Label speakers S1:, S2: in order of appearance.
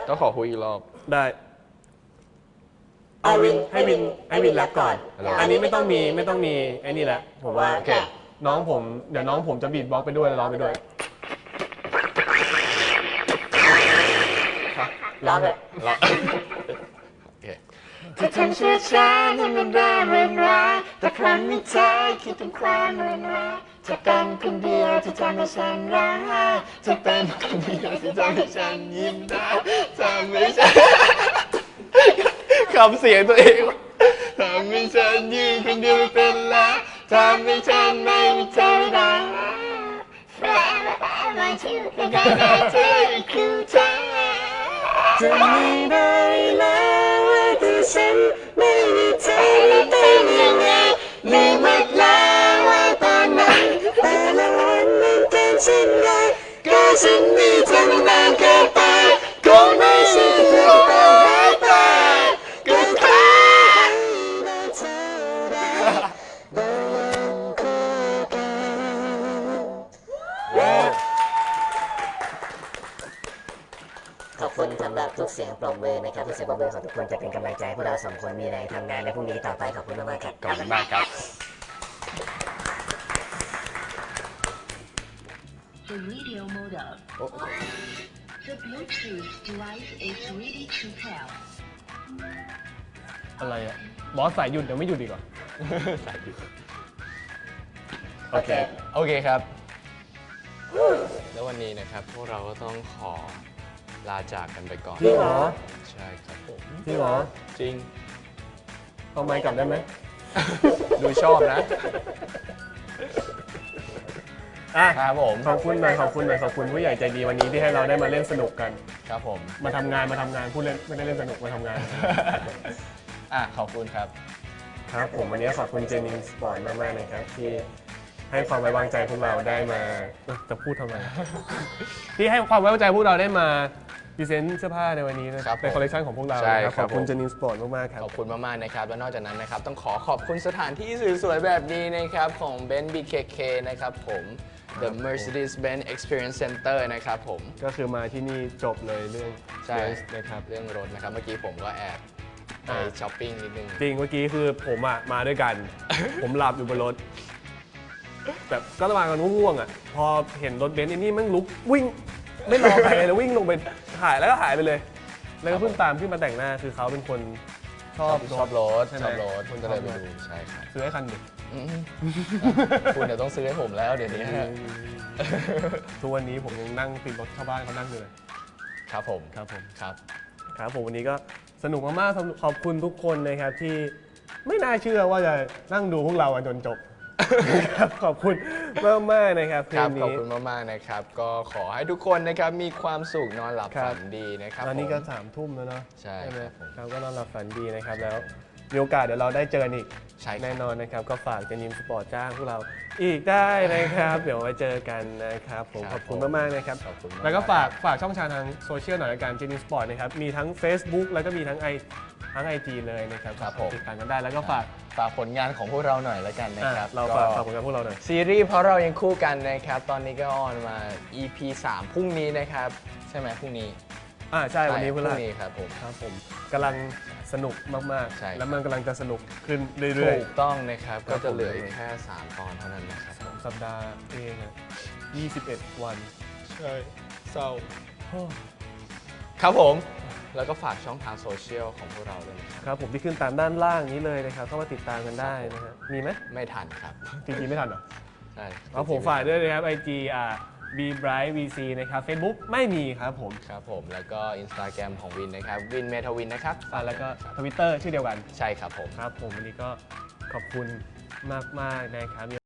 S1: ต้องขอคุยอีกรอบ
S2: ได้เอาวินให้วินแรปก่อนอันนี้ไม่ต้องมีไอ้นี่แหละผมว่า
S1: โอเค
S2: น้องผมเดี๋ยวน้องผมจะบีทบ็อกซ์ไปด้วยร้องไปด้วยร้องเลย
S1: แล้วโอเค
S3: ถ้าทำช้าช้าๆธรรมดาเรื่อยๆแต่ครั้งนี้ใจคิดถึงความเรื่อยๆจะเป็นคนเดียวที่ทำให้ฉันร้องไห้จะเป็นคนเดียวที่ทำให้ฉันยิ้มได้ทำให้ฉัน
S1: คำเสียงตัวเอง
S3: ทำให้ฉันยืนคนเดียวไม่เป็นแล้วทำให้ฉันไม่มีเธอได้ Forever I want you แต่ได้เธอคือเธอจะไม่ได้แล้วว่าที่ฉันไม่มีเธอแล้วเป็นยังไงลืมหมดแล้วว่าตอนนั้นแต่ละวันมันเป็นเช่นไรก็ฉันมีเธอมานานเกินไปคงไม่ใช่เพื่อนแต่หายไปก็แค่ได้เธอได้ได้ยังคู่กัน ขอบคุณสำหรับทุกเสียงปรบมือนะครับทุกเสียงปรบมือของทุกคนจะเป็นกำลังใจให้พวกเราสองคนมีแรงทำงานในพรุ่งนี้ต่อไปขอบคุณมากๆครับ
S1: ขอบคุณมากครับ
S4: The radio mode up. The Bluetooth device is ready to pair.
S2: อะไรอ่ะบอสสายหยุดเดี๋ยวไม่หยุดดีกว่า
S1: สายหยุด
S2: โอเค
S1: โอเคครับ แล้ววันนี้นะครับพวกเราก็ต้องขอลาจากกันไปก่อน
S2: จริงเหรอ
S1: ใช่ครับผม
S2: จริงเหรอ
S1: จริง
S2: เอาไมค์กลับได้ไหม
S1: ดูชอบนะ
S2: อ่ะ
S1: ครับผม
S2: ขอบคุณหน่อยขอบคุณผู้ใหญ่ใจดีวันนี้ที่ให้เราได้มาเล่นสนุกกัน
S1: ครับผม
S2: มาทำงานพูดเล่นไม่ได้เล่นสนุกมาทำงาน
S1: ขอบคุณครับ
S2: ครับผมวันนี้ขอบคุณเจนิงสปอร์ตมากๆนะครับที่ให้ความไว้วางใจพวกเราได้มาจะพูดทำไม ที่ให้ความไว้วางใจพวกเราได้มาพรีเซนต์เสื้อผ้าในวันนี้นะครับ
S1: ผม
S2: เป็นคอลเลคชันของพวกเรา
S1: ใช่
S2: นะครับ ขอบคุณ
S1: ผม
S2: เจนิงสปอร์ตมากๆครับ
S1: ขอบคุณมากๆนะครับ และนอกจากนั้นนะครับ ต้องขอบคุณสถานที่สวยๆแบบนี้นะครับ ของ Ben BKK นะครับผม The Mercedes-Benz Experience Center นะครับผม
S2: ก็คือมาที่นี่จบเลยเรื่อง
S1: ใช่
S2: เบนซ์นะครับ
S1: เรื่องรถนะครับ เมื่อกี้ผมก็แอบไปช้อปปิ้งนิดนึง
S2: จริงเมื่อกี้คือผมอ่ะมาด้วย กัน ผมหลับอยู่บนรถแบบก็ระหว่างกันง่วงๆอ่ะพอเห็นรถเบนซ์ไอ้นี่มันลุกวิ่งไม่รอใครเลยแล้ววิ่งลงไปถ่ายแล้วก็หายไปเลย แล้วก็เพิ่งตามขึ้นมาแต่งหน้าคือเขาเป็นคนชอบ
S1: ชอบรถ
S2: ใช่ไหม
S1: ชอบรถ
S2: คน
S1: ก็เลยไป
S2: ชอบรถ
S1: ดูใช่ครับ
S2: ซื้อให้คันหนึ่ง
S1: อืมคุณเดี๋ยวต้องซื้อให้ผมแล้วเดี๋ยวนี้
S2: ทุกวันนี้ผมยังนั่งติดรถชาวบ้านเขานั่งอยู่เลย
S1: ครับผม
S2: ครับผม
S1: ครับ
S2: ครับผมวันนี้ก็สนุกมากๆขอบคุณทุกคนนะครับที่ไม่น่าเชื่อว่าจะนั่งดูพวกเรากันจนจบ ครับขอบคุณมากๆนะครับคื
S1: ครับ
S2: น
S1: ขอบ
S2: นี้
S1: คุณมากๆนะครับ ก็ขอให้ทุกคนนะครับมีความสุขนอนหลับ
S2: ครับ
S1: ฝันดีนะครับ
S2: ตอนนี้ก็
S1: ผม
S2: 3 ทุ่มแล้วเนาะ
S1: ใช่
S2: ไหม
S1: ครับผม
S2: ครับก็นอนหลับฝันดีนะครับแล้วมีโอกาสเดี๋ยวเราได้เจอกันอีก
S1: ใช่ครับ
S2: แน่นอนนะครับก็ฝากจะยิมสปอร์ตจ้างพวกเราอีกได้นะครับ เดี๋ยวไว้เจอกันนะครับผมขอบคุณมากๆนะครับ
S1: ขอบคุณมาก
S2: แล้วก็ฝากช่องทางทางโซเชียลหน่อยละกันเจนิมสปอร์ตนะครับมีทั้ง Facebook แล้วก็มีทั้ง IG เลยนะครับ
S1: ครับผม
S2: ติดตามกันได้แล้วก็ฝาก
S1: ฝากผลงานของพวกเราหน่อยแล้วกันนะครับ
S2: เราฝากผลงานพวกเราหน่อย
S1: ซีรีส์เพราะเรายังคู่กันนะครับ ตอนนี้ก็ออนมา EP 3 พรุ่งนี้นะครับ ใช่ไหมพรุ่งนี้
S2: ใช่วันนี้
S1: พ
S2: พฤ
S1: รุ่
S2: หัส
S1: งนี้ครับผม
S2: ครับผมกำลังสนุกมาก
S1: ใช่ครับ
S2: ๆ แล้วมันกำลังจะสนุกขึ้นเรื่อย
S1: ถูกต้องนะครับ
S2: ครั
S1: ก็
S2: บ
S1: จะเหลืออีกแค่ 3 ตอนเท่านั้นนะครับผม
S2: ๆ สัปดาห์เองอะ21 วัน
S1: ใช่เศร้าครับผม แล้วก็ฝากช่องทางโซเชียลของพวกเราด้วยนะครับ
S2: ครับผมที่ขึ้นตามด้านล่างนี้เลยนะครับเข้ามาติดตามกันได้นะฮะมีไหม
S1: ไม่ทันครับ
S2: จริงๆไม่ทันเหรอ
S1: ใช่
S2: เอาผมฝากด้วยนะครับ IG B Bright VC นะครับ Facebook ไม่มีครับผม
S1: ครับผม แล้วก็ Instagram ของวินนะครับ วินเมทวินนะครับ
S2: แล้วก็ Twitter ชื่อเดียวกัน
S1: ใช่ครับผม
S2: ครับผมวันนี้ก็ขอบคุณมากๆนะครับ